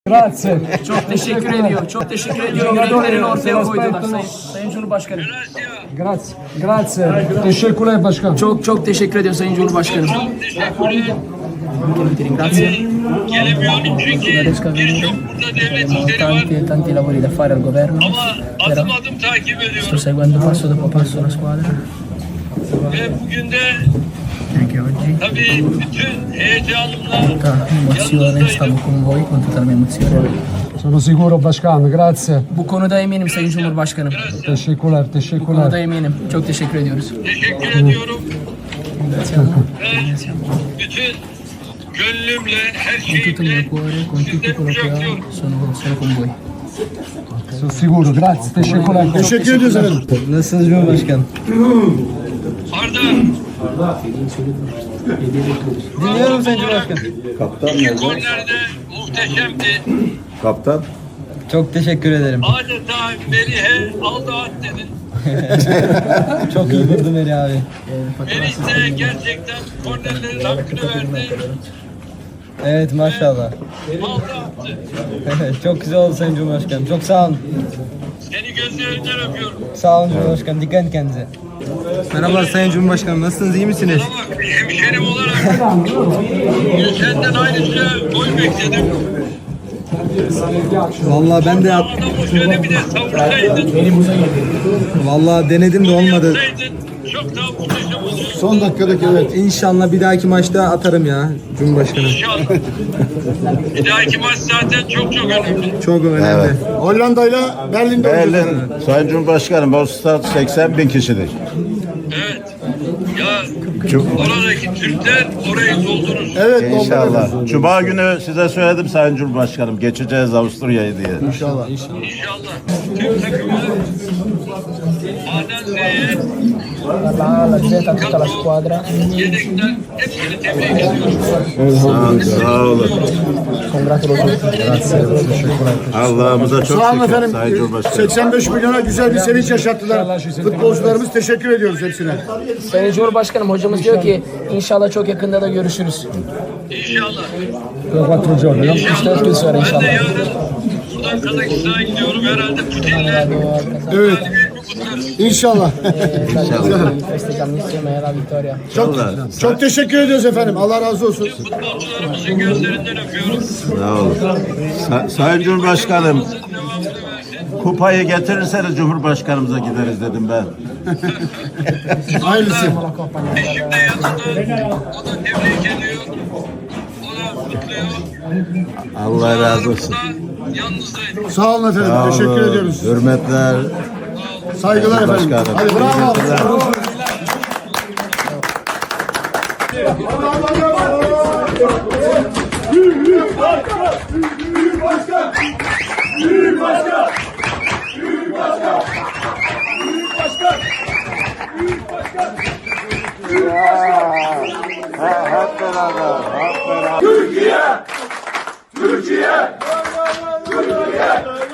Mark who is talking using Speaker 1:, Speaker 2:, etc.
Speaker 1: Grazie.
Speaker 2: Çok teşekkür ediyor. Çok teşekkür ediyorum. Yüreklerini ortaya koydular Sayın Cumhurbaşkanım.
Speaker 1: Grazie. Grazie. Teşekkürler başkan.
Speaker 2: Çok teşekkür ediyor Sayın Cumhurbaşkanım. Grazie.
Speaker 3: Gelemiyorum çünkü birçok burada devlet işleri var.
Speaker 2: Tanti lavori da fare al governo.
Speaker 3: Ama adım adım takip
Speaker 2: Sto
Speaker 3: ediyorum.
Speaker 2: seguendo passo dopo passo la squadra.
Speaker 3: Ve bugün de
Speaker 2: Anche oggi.
Speaker 3: tabii bütün heyecanımla
Speaker 2: Tutta emozione, stavo con voi, con tutta la mia emozione.
Speaker 1: Sono sicuro başkan. Grazie.
Speaker 2: Bu konuda eminim Sayın Cumhurbaşkanım.
Speaker 1: Teşekkürler.
Speaker 2: Bu konuda
Speaker 1: Teşekkürler.
Speaker 2: eminim. Çok teşekkür ediyoruz.
Speaker 3: teşekkür ediyorum.
Speaker 2: Ringraziamo.
Speaker 3: Ve bütün gönlümle, her
Speaker 2: Con tutto il mio
Speaker 3: şeyimle
Speaker 2: cuore, con tutto
Speaker 3: sizden
Speaker 2: quello che ho,
Speaker 3: kucaklıyorum.
Speaker 2: sono con voi.
Speaker 1: Sono sicuro. Grazie. Teşekkürler.
Speaker 4: Teşekkür ediyoruz efendim.
Speaker 5: Nasılsınız Cumhurbaşkanım?
Speaker 3: Arda,
Speaker 5: Dinliyorum Sayın Cumhurbaşkanım.
Speaker 3: iki kornerde muhteşemdi.
Speaker 4: Kaptan.
Speaker 5: Çok teşekkür ederim.
Speaker 3: Adeta Melih'e aldı at dedin.
Speaker 5: Çok iyi vurdu Meri abi.
Speaker 3: Melih de gerçekten kornerlerin hakkını verdi.
Speaker 5: Evet maşallah.
Speaker 3: Aldı attı.
Speaker 5: Çok güzel oldu Sayın Cumhurbaşkanım. Çok sağ olun.
Speaker 3: Seni gözlerinden öpüyorum.
Speaker 5: Sağ olun Cumhurbaşkanım. Dikkat edin kendinize. Merhabalar Sayın Cumhurbaşkanım. Nasılsınız? İyi misiniz?
Speaker 3: Bana bak, hemşerim olarak senden ayrıca gol bekledim.
Speaker 5: Vallahi ben de
Speaker 3: Ama da şöyle bir de savursaydın.
Speaker 5: vallahi denedim de olmadı.
Speaker 3: Yapsaydın çok daha muhteşem olurdu.
Speaker 4: Son dakikadaki evet.
Speaker 5: İnşallah bir dahaki maçta atarım ya Cumhurbaşkanım.
Speaker 3: İnşallah. Bir dahaki maç zaten çok önemli.
Speaker 5: Çok önemli.
Speaker 4: Evet. Hollanda'yla Berlin'de oynayacağız.
Speaker 6: Berlin, Sayın Cumhurbaşkanım, o stad 80 bin kişidir.
Speaker 3: Evet. Ya oradaki Türkler orayı doldurur.
Speaker 4: Evet.
Speaker 6: İnşallah. Cuma günü size söyledim Sayın Cumhurbaşkanım, geçeceğiz Avusturya'yı diye.
Speaker 4: İnşallah.
Speaker 3: İnşallah. Tüm takımı A'dan Z'ye
Speaker 2: Dalla Z a tutta la squadra,
Speaker 3: yedekten hepsini tebrik ediyorum.
Speaker 6: Sağ olun.
Speaker 2: congratulo tutti.
Speaker 6: Allah'ımıza çok
Speaker 4: Sağ olun
Speaker 6: şükür
Speaker 4: efendim.
Speaker 6: Sayın Cumhurbaşkanım.
Speaker 4: 85 milyona güzel bir sevinç yaşattılar. Futbolcularımız teşekkür ediyoruz hepsine.
Speaker 2: Sayın Cumhurbaşkanım hocamız diyor ki inşallah çok yakında da görüşürüz.
Speaker 3: İnşallah.
Speaker 1: 4 giorni, no?
Speaker 2: İşte 4 gün sonra
Speaker 3: Ben de
Speaker 2: inşallah.
Speaker 3: yarın buradan Kazakistan'a gidiyorum. Herhalde Putin'le
Speaker 4: Evet.
Speaker 3: galibiyetimi kutlarız.
Speaker 4: İnşallah.
Speaker 2: Festeggiamo insieme la vittoria.
Speaker 4: Çok teşekkür ediyoruz efendim. Allah razı olsun.
Speaker 3: Futbolcularımızın gözlerinden öpüyorum.
Speaker 6: Sağ olun. Sayın Cumhurbaşkanım,
Speaker 3: Devamını versin.
Speaker 6: kupayı getirirseniz Cumhurbaşkanımıza gideriz dedim ben.
Speaker 4: Hayırlısı.
Speaker 3: Eşim de yanında. O da tebrik ediyor. O da kutluyor.
Speaker 6: Allah razı olsun.
Speaker 3: Yalnızdayım.
Speaker 4: Sağ olun efendim.
Speaker 6: Sağ
Speaker 4: Teşekkür
Speaker 6: olun.
Speaker 4: ediyoruz.
Speaker 6: Hürmetler.
Speaker 4: Saygılar efendim.
Speaker 6: Başkanım.
Speaker 4: Hadi bravo.
Speaker 6: Teşekkürler. Hep beraber, hep beraber.
Speaker 4: Türkiye! Türkiye! Türkiye!